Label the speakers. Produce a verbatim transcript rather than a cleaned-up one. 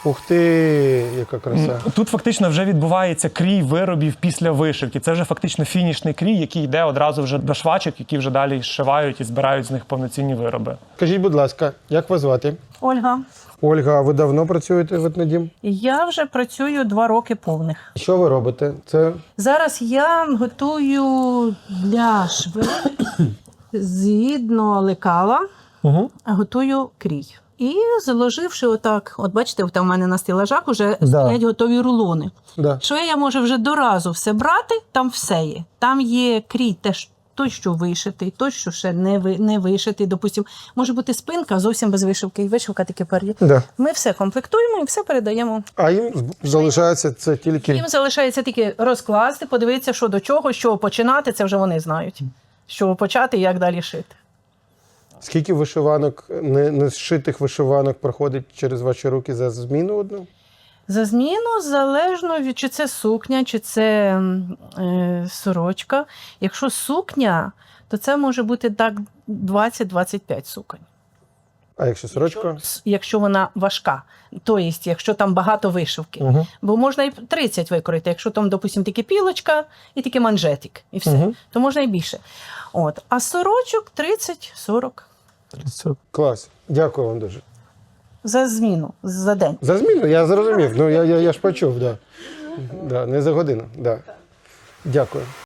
Speaker 1: Ух ти, яка краса.
Speaker 2: Тут фактично вже відбувається крій виробів після вишивки. Це вже фактично фінішний крій, який йде одразу вже до швачок, які вже далі зшивають і збирають з них повноцінні вироби.
Speaker 1: Скажіть, будь ласка, як вас звати?
Speaker 3: Ольга,
Speaker 1: Ольга, а ви давно працюєте в етнодім?
Speaker 3: я вже працюю два роки повних.
Speaker 1: Що ви робите? Це
Speaker 3: Зараз я готую для шви згідно лекала,
Speaker 2: Угу.
Speaker 3: готую крій. І заложивши отак, от бачите, там у мене на стелажах вже
Speaker 1: Да.
Speaker 3: стоять готові рулони.
Speaker 1: да.
Speaker 3: Що я можу вже доразу все брати, там все є. Там є крій теж той, що вишитий, той, що ще не, ви, не вишитий. Допустим, може бути спинка зовсім без вишивки, і вишивка таки пер'є.
Speaker 1: Да.
Speaker 3: Ми все комплектуємо і все передаємо.
Speaker 1: А їм залишається це тільки.
Speaker 3: Їм залишається тільки розкласти, подивитися, що до чого, з чого починати, це вже вони знають. З чого почати і як далі шити.
Speaker 1: Скільки вишиванок, не, не зшитих вишиванок проходить через ваші руки за зміну одну?
Speaker 3: За зміну залежно від чи це сукня, чи це м, е, сорочка. Якщо сукня, то це може бути так двадцять-двадцять п'ять суконь.
Speaker 1: А якщо сорочка?
Speaker 3: С- Якщо вона важка, тобто, якщо там багато вишивки.
Speaker 1: Угу.
Speaker 3: Бо можна і тридцять викроїти, якщо там, допустимо, тільки пілочка і тільки манжетик, і все,
Speaker 1: Мгм.
Speaker 3: то можна і більше. От. А сорочок тридцять-сорок
Speaker 1: Клас. Дякую вам дуже.
Speaker 3: за зміну, за день.
Speaker 1: За зміну, я зрозумів. Ну, я, я, я ж почув, да. Да, не за годину. Да. Дякую.